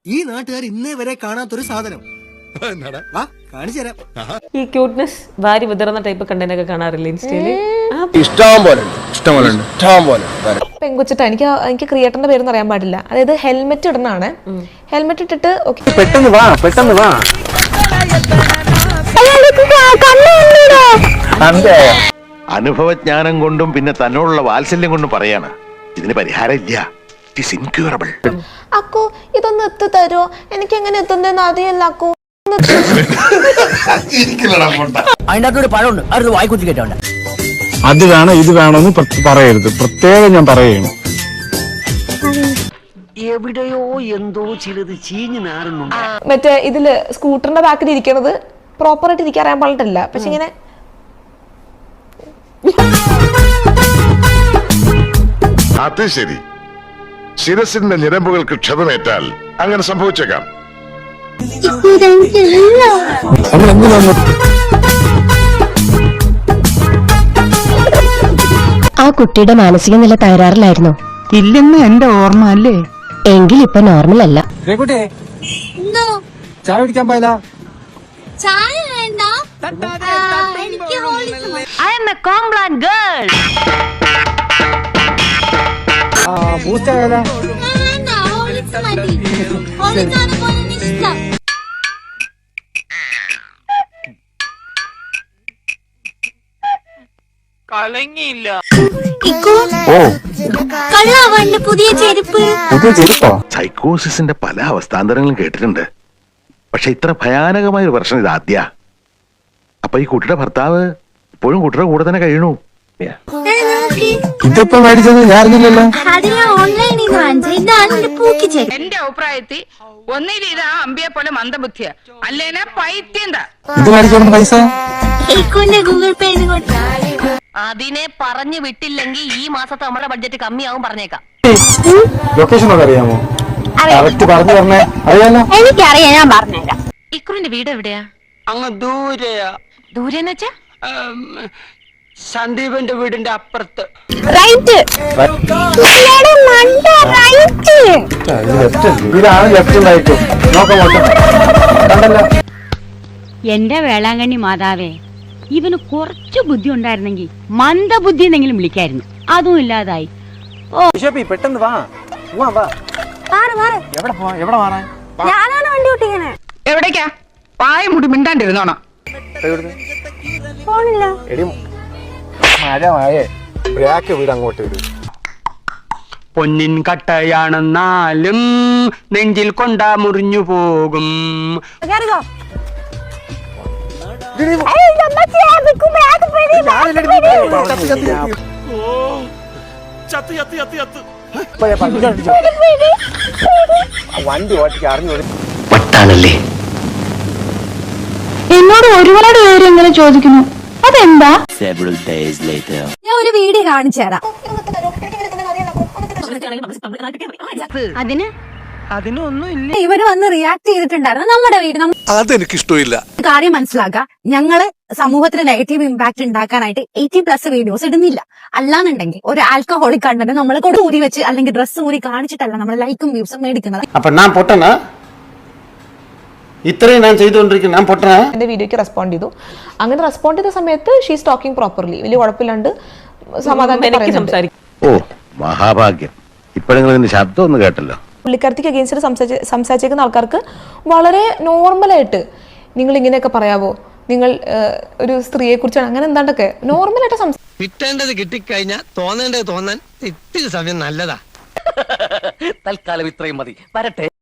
ഈ നാട്ടുകാർ ഇന്നേ വരെ കാണാത്തൊരു സാധനം വാ കാണിച്ചു തരാം. ഈ ക്യൂട്ട്നെസ് വാരി വിതറുന്ന ടൈപ്പ് കണ്ടന്റ് ഒക്കെ കാണാറില്ല ഇൻസ്റ്റയില്. പെങ്കുച്ചിട്ട എനിക്ക് ക്രിയേറ്ററിന്റെ പേരൊന്നും അറിയാൻ പാടില്ല. അതായത് ഹെൽമെറ്റ് ഇടണാണ്. ഹെൽമെറ്റ് ഇട്ടിട്ട് പെട്ടെന്ന് വാ അനുഭവജ്ഞാനം കൊണ്ടും പിന്നെ തന്നോടുള്ള വാത്സല്യം കൊണ്ടും പറയാണ് ഇതിന് പരിഹാരം ഇല്ല. It's incurable. അക്കു ഇതൊന്ന് എത്തി തരുമോ? എനിക്ക് എങ്ങനെ എത്തുന്നതെന്ന് അറിയില്ല അക്കു. അതിനകത്തൊരു പഴമുണ്ട്, അത് വായിക്കുത്തി കേട്ടോണ്ട്. അത് വേണം ഇത് വേണമെന്ന് പറയരുത്, പ്രത്യേകം ഞാൻ പറയുന്നു. എവിടെയോ എന്തോ ചിലത് ചീഞ്ഞു നാറുന്നുണ്ട്. മറ്റേ ഇതില് സ്കൂട്ടറിന്റെ ബാക്കിൽ ഇരിക്കണത് പ്രോപ്പറായിട്ട് ഇരിക്കാൻ അറിയാൻ പാടില്ല. പക്ഷെ ഇങ്ങനെ അത് ശരി. ശിരസിന്റെ ഞരമ്പുകൾക്ക് ക്ഷതമേറ്റാൽ അങ്ങനെ സംഭവിച്ചേക്കാം. ആ കുട്ടിയുടെ മാനസിക നില തകരാറിലായിരുന്നു. ഇല്ലെന്ന് എന്റെ ഓർമ്മ അല്ലേ? എങ്കിൽ ഇപ്പൊ നോർമൽ അല്ല. ചായ കുടിക്കാൻ പോയല്ല. ചായ വേണ്ട, എനിക്ക് I am a Complan girl. Boost ആയാലോ? വേണ്ട, ഹോളിക്സ് മതി. ഹോളിക്സ് ആണ് പോലെ ഇഷ്ടം. കലങ്ങിയില്ല. കള്ളാവന്റെ പുതിയ ചെരുപ്പ്. സൈക്കോസിന്റെ പല അവസ്ഥാന്തരങ്ങളും കേട്ടിട്ടുണ്ട്. പക്ഷെ ഇത്ര ഭയാനകമായ ഒരു പ്രശ്നം ഇത് ആദ്യ. അപ്പൊ ഈ കുട്ടിയുടെ ഭർത്താവ് ഇപ്പോഴും കുട്ടിയുടെ കൂടെ തന്നെ കഴിയണു. ഇതിപ്പോ മേടിച്ചത് ഞാറിഞ്ഞില്ലല്ലോ. എന്റെ അഭിപ്രായത്തിൽ ഒന്നിൽ ഇത് ആ അമ്പിയെ പോലെ മന്ദബുദ്ധിയ, അല്ലേനാ പൈത്യന്ത. ഇത് മേടിച്ചോണ്ട് പൈസ ഗൂഗിൾ പേ. അതിനെ പറഞ്ഞു വിട്ടില്ലെങ്കിൽ ഈ മാസത്തെ നമ്മുടെ ബഡ്ജറ്റ് കമ്മിയാവും പറഞ്ഞേക്കാം. ലൊക്കേഷൻ ഒക്കെ അറിയാമോ? കറക്റ്റ് പറഞ്ഞു തരണേ. അറിയാലോ? എനിക്കറിയാം, ഞാൻ പറഞ്ഞുതരാം. ഇക്കുറിന്റെ വീട് എവിടെയാ? അങ്ങ് ദൂരെയാ. ദൂരെന്ന് വെച്ചാ സന്ദീപന്റെ വീടിന്റെ അപ്പുറത്ത്. ഇതാണ് ലെഫ്റ്റ് റൈറ്റും. കണ്ടല്ലോ. എന്റെ വേളാങ്കണ്ണി മാതാവേ, ഇവന് കുറച്ചു ബുദ്ധി ഉണ്ടായിരുന്നെങ്കിൽ മന്ദബുദ്ധി എന്നെങ്കിലും വിളിക്കായിരുന്നു. അതും ഇല്ലാതായി. പെട്ടെന്ന് വാ. എവിടെ മാറാൻ? ഞാനാണ് വണ്ടി ഓട്ടിക്കണേ. എവിടേക്കാ? പായ മുടി മിണ്ടാണ്ടിരുന്നോണം. ഫോണില്ല. മഴ ബ്രാക്ക് വീട് അങ്ങോട്ട് വരും. പൊന്നിൻ കട്ടയാണെന്നാലും നെഞ്ചിൽ കൊണ്ടാ മുറിഞ്ഞു പോകും. വണ്ടി ഓട്ടിക്ക് അറിഞ്ഞു. എന്നോട് ഒരുപാട് പേര് ഇങ്ങനെ ചോദിക്കുന്നു, അതെന്താ? ഞാൻ ഒരു വീഡിയോ കാണിച്ചു തരാം. അതിനൊന്നും ഇല്ല. ഇവര് വന്ന് റിയാക്ട് ചെയ്തിട്ടുണ്ടായിരുന്നു നമ്മുടെ വീട്. അതെനിക്ക് ഇഷ്ടമില്ല. കാര്യം മനസ്സിലാക്കുക, ഞങ്ങള് സമൂഹത്തിന് നെഗറ്റീവ് ഇമ്പാക്ട് ഉണ്ടാക്കാനായിട്ട് 18+ വീഡിയോസ് ഇടുന്നില്ല. അല്ലാന്നുണ്ടെങ്കിൽ ഒരു ആൽക്കഹോളിക് കണ്ടന്റ് നമ്മളെ കൊണ്ട് ഊരി വെച്ച് അല്ലെങ്കിൽ ഡ്രസ്സ് ഊരി കാണിച്ചിട്ടല്ല നമ്മൾ ലൈക്കും വ്യൂസും മേടിക്കുന്നത്. അപ്പൊ ഞാൻ പൊട്ടനാ? ഇത്രയും ഞാൻ ചെയ്തുകൊണ്ടിരിക്കുന്നു, ഞാൻ പൊട്ടനാ? എന്റെ വീഡിയോക്ക് റെസ്പോണ്ട് ചെയ്തു. അങ്ങനെ റെസ്പോണ്ട് ചെയ്ത സമയത്ത് ഷീസ് ടോക്കിംഗ് പ്രോപ്പർലി, വലിയ കുഴപ്പമില്ലാണ്ട് സമാധാനം സംസാരിക്കും. ഓ മഹാഭാഗ്യം. ഇപ്പോഴെങ്കിലും ശബ്ദം ഒന്ന് കേട്ടല്ലോ. പുള്ളിക്കാരത്തിക്ക് അഗെയിൻസ്റ്റ് സംസാരിച്ചേക്കുന്ന ആൾക്കാർക്ക് വളരെ നോർമലായിട്ട് നിങ്ങൾ ഇങ്ങനെയൊക്കെ പറയാവോ, നിങ്ങൾ ഒരു സ്ത്രീയെ കുറിച്ചാണ് അങ്ങനെ എന്താണ്ടൊക്കെ നോർമലായിട്ട് കിട്ടേണ്ടത് കിട്ടിക്കഴിഞ്ഞാൽ തോന്നേണ്ടത് തോന്നാൻ ഇത്തിരി സമയം നല്ലതാ. തൽക്കാലം ഇത്രയും മതി. വരട്ടെ.